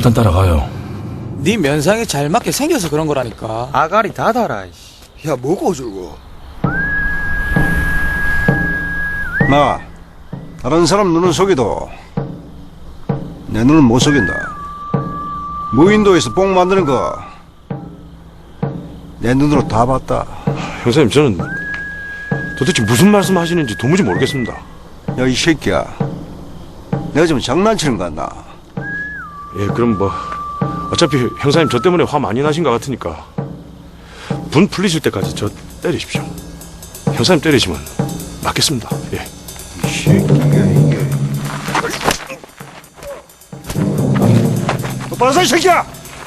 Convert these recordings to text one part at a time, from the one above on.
일단 따라가요. 네 면상에 잘 맞게 생겨서 그런 거라니까. 아가리 다 달아. 야, 뭐고 어쩌고. 나 다른 사람 눈은 속여도 내 눈은 못 속인다. 무인도에서 뽕 만드는 거 내 눈으로 다 봤다. 형사님, 저는 도대체 무슨 말씀 하시는지 도무지 모르겠습니다. 야, 이 새끼야, 내가 좀 장난치는 거 같나? 예, 그럼 뭐 어차피 형사님 저 때문에 화 많이 나신 것 같으니까 분 풀리실 때까지 저 때리십시오. 형사님 때리시면 맞겠습니다. 예. 이 새끼야, 이게. 똑바로 서, 이 새끼야!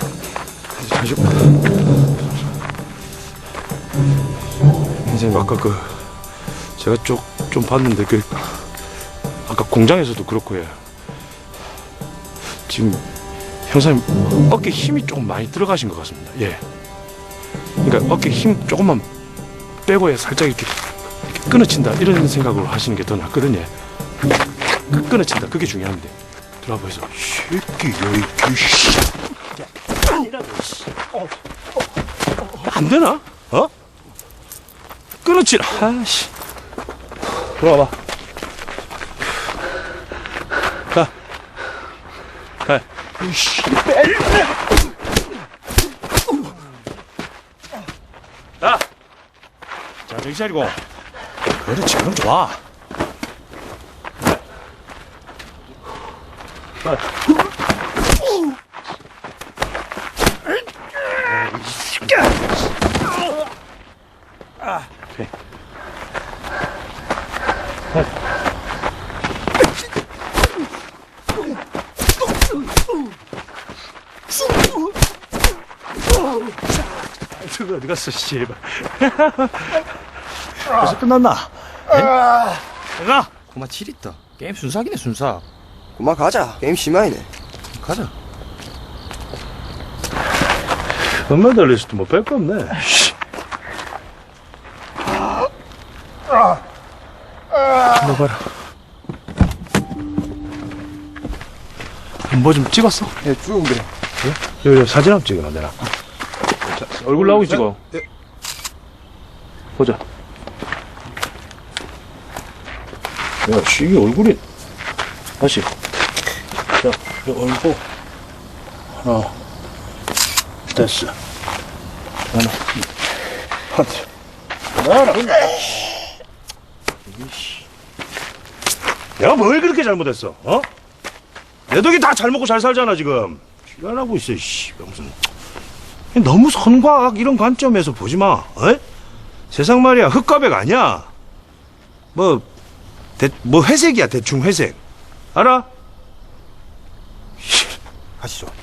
선생님, 아까 제가 좀 봤는데 아까 공장에서도 그렇고, 예. 지금 형사님 어깨 힘이 조금 많이 들어가신 것 같습니다. 예. 그러니까 어깨 힘 조금만 빼고 살짝 이렇게 끊어친다 이런 생각으로 하시는 게 더 낫거든요. 끊어친다, 그게 중요한데. 들어가 보이소. 새끼야, 이 씨. 안 되나? 어? 끊어치라. 아씨. 들어와 봐. 가. 이씨. 자, 정신 차리고. 그렇지, 그럼 좋아. 오케이. 저거 어디 갔어, 씨발. 벌써 끝났나? 가. 고마 7있다. 게임 순삭이네, 순삭. 그만 가자. 게임 심하이네. 가자. 엄마 달리서도 뭐 뺄 거 없네. 너 봐라. 뭐 좀 찍었어? 예, 쭉 그래. 여기 사진 한번 찍어놔, 내가. 자, 얼굴 나오게 찍어. 보자. 야, 이게 얼굴이. 다시. 자, 이 얼굴. 하나. 됐어. 하나. 하나. 내가 뭘 그렇게 잘못했어? 어? 내 덕에 다 잘 먹고 잘 살잖아, 지금. 시간하고 있어, 씨. 무슨. 너무 선과악 이런 관점에서 보지 마. 어? 세상 말이야, 흑과백 아니야. 뭐 회색이야, 대충 회색. 알아? 가시죠.